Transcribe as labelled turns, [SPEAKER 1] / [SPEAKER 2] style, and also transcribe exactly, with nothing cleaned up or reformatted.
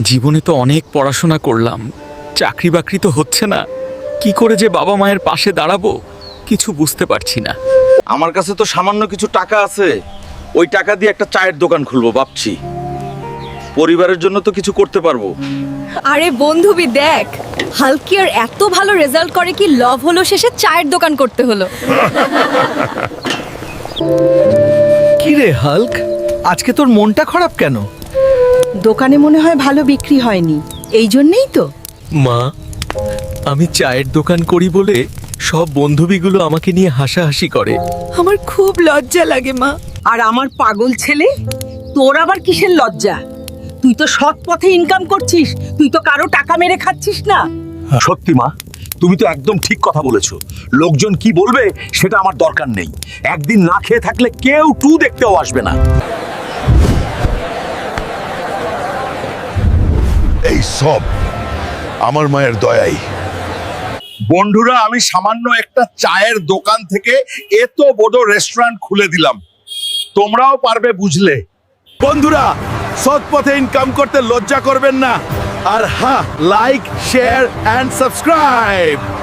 [SPEAKER 1] জীবনে তো অনেক পড়াশোনা করলাম, চাকরি বাকরি তো হচ্ছে না। কি করে যে বাবা মায়ের পাশে দাঁড়াবো কিছু বুঝতে পারছি না।
[SPEAKER 2] আমার কাছে তো সামান্য কিছু টাকা আছে, ওই টাকা দিয়ে একটা চায়ের দোকান খুলবো ভাবছি। পরিবারের জন্য তো কিছু করতে পারবো।
[SPEAKER 3] আরে বন্ধুবি দেখ, হালকিয়ার এত ভালো রেজাল্ট করে কি লভ হলো শেষে চায়ের দোকান করতে হলো।
[SPEAKER 4] কি রে হাল্ক, আজকে তোর মনটা খারাপ কেন?
[SPEAKER 5] দোকানে মনে হয় ভালো বিক্রি হয়নি, এই জন্যেই তো।
[SPEAKER 1] মা, আমি চায়ের দোকান করি বলে সব বন্ধুবিগুলো আমাকে নিয়ে হাসাহাসি করে।
[SPEAKER 5] আমার খুব লজ্জা লাগে মা।
[SPEAKER 6] আর আমার পাগল ছেলে, তোর আবার কিসের লজ্জা? তুই তো সৎ পথে ইনকাম করছিস, তুই তো কারো টাকা মেরে খাচ্ছিস না।
[SPEAKER 7] সত্যি মা, তুমি তো একদম ঠিক কথা বলেছো। লোকজন কি বলবে সেটা আমার দরকার নেই। একদিন না খেয়ে থাকলে কেউ টু দেখতেও আসবে না।
[SPEAKER 8] এই সব আমার মায়ের দয়াই। বন্ধুরা, আমি সামান্য একটা চায়ের দোকান থেকে এত বড় রেস্টুরেন্ট খুলে দিলাম, তোমরাও পারবে বুঝলে। বন্ধুরা, সৎ পথে ইনকাম করতে লজ্জা করবেন না। আর হ্যাঁ, লাইক, শেয়ার এন্ড সাবস্ক্রাইব।